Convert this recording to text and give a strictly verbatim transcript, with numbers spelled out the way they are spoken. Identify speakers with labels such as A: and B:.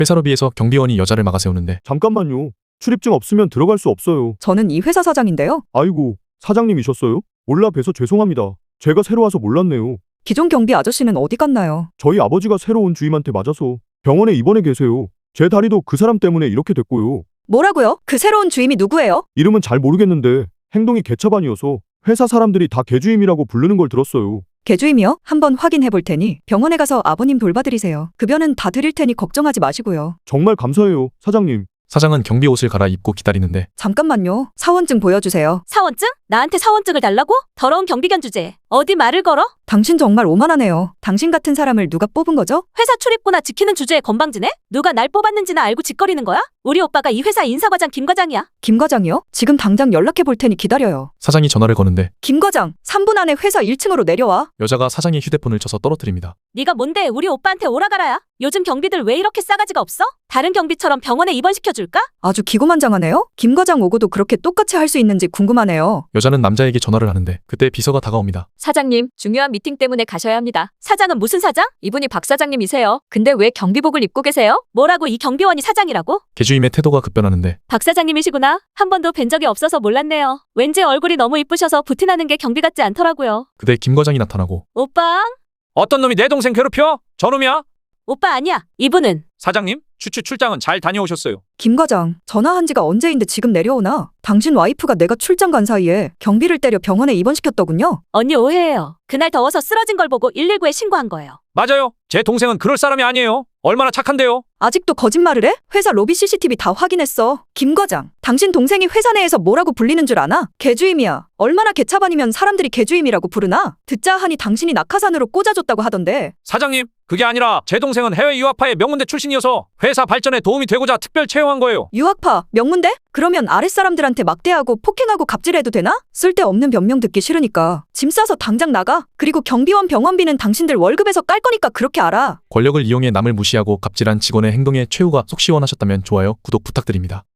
A: 회사 로비에서 경비원이 여자를 막아 세우는데
B: 잠깐만요. 출입증 없으면 들어갈 수 없어요.
C: 저는 이 회사 사장인데요.
B: 아이고, 사장님이셨어요? 몰라 뵈서 죄송합니다. 제가 새로 와서 몰랐네요.
C: 기존 경비 아저씨는 어디 갔나요?
B: 저희 아버지가 새로 온 주임한테 맞아서 병원에 입원해 계세요. 제 다리도 그 사람 때문에 이렇게 됐고요.
C: 뭐라고요? 그 새로운 주임이 누구예요?
B: 이름은 잘 모르겠는데 행동이 개차반이어서 회사 사람들이 다 개주임이라고 부르는 걸 들었어요.
C: 개주임이요? 한번 확인해 볼 테니 병원에 가서 아버님 돌봐드리세요. 급여는 다 드릴 테니 걱정하지 마시고요.
B: 정말 감사해요, 사장님.
A: 사장은 경비 옷을 갈아입고 기다리는데
C: 잠깐만요. 사원증 보여주세요.
D: 사원증? 나한테 사원증을 달라고? 더러운 경비견 주제. 어디 말을 걸어?
C: 당신 정말 오만하네요. 당신 같은 사람을 누가 뽑은 거죠?
D: 회사 출입구나 지키는 주제에 건방지네? 누가 날 뽑았는지나 알고 짓거리는 거야? 우리 오빠가 이 회사 인사과장 김 과장이야.
C: 김 과장이요? 지금 당장 연락해 볼 테니 기다려요.
A: 사장이 전화를 거는데
C: 김 과장, 삼 분 안에 회사 일 층으로 내려와.
A: 여자가 사장의 휴대폰을 쳐서 떨어뜨립니다.
D: 네가 뭔데 우리 오빠한테 오라가라야? 요즘 경비들 왜 이렇게 싸가지가 없어? 다른 경비처럼 병원에 입원시켜줄까?
C: 아주 기고만장하네요. 김 과장 오고도 그렇게 똑같이 할 수 있는지 궁금하네요.
A: 여자는 남자에게 전화를 하는데 그때 비서가 다가옵니다.
D: 사장님, 중요한 미팅 때문에 가셔야 합니다. 사장은 무슨 사장? 이분이 박 사장님이세요. 근데 왜 경비복을 입고 계세요? 뭐라고 이 경비원이 사장이라고?
A: 개주임의 태도가 급변하는데
D: 박 사장님이시구나. 한 번도 뵌 적이 없어서 몰랐네요. 왠지 얼굴이 너무 이쁘셔서 부티나는 게 경비 같지 않더라고요.
A: 그때 김 과장이 나타나고
D: 오빠?
E: 어떤 놈이 내 동생 괴롭혀? 저놈이야?
D: 오빠 아니야. 이분은.
E: 사장님, 추추 출장은 잘 다녀오셨어요.
C: 김 과장, 전화한 지가 언제인데 지금 내려오나? 당신 와이프가 내가 출장 간 사이에 경비를 때려 병원에 입원시켰더군요.
D: 언니 오해해요. 그날 더워서 쓰러진 걸 보고 일일구에 신고한 거예요.
E: 맞아요. 제 동생은 그럴 사람이 아니에요. 얼마나 착한데요.
C: 아직도 거짓말을 해? 회사 로비 씨씨티비 다 확인했어. 김 과장, 당신 동생이 회사 내에서 뭐라고 불리는 줄 아나? 개주임이야. 얼마나 개차반이면 사람들이 개주임이라고 부르나? 듣자 하니 당신이 낙하산으로 꽂아줬다고 하던데.
E: 사장님, 그게 아니라 제 동생은 해외 유학파의 명문대 출신이어서 회사 발전에 도움이 되고자 특별 채용한 거예요.
C: 유학파, 명문대? 그러면 아랫사람들한테 막대하고 폭행하고 갑질해도 되나? 쓸데없는 변명 듣기 싫으니까 짐 싸서 당장 나가. 그리고 경비원 병원비는 당신들 월급에서 깔 거니까 그렇게 알아.
A: 권력을 이용해 남을 무시하고 갑질한 직원의 행동에 최후가 속 시원하셨다면 좋아요, 구독 부탁드립니다.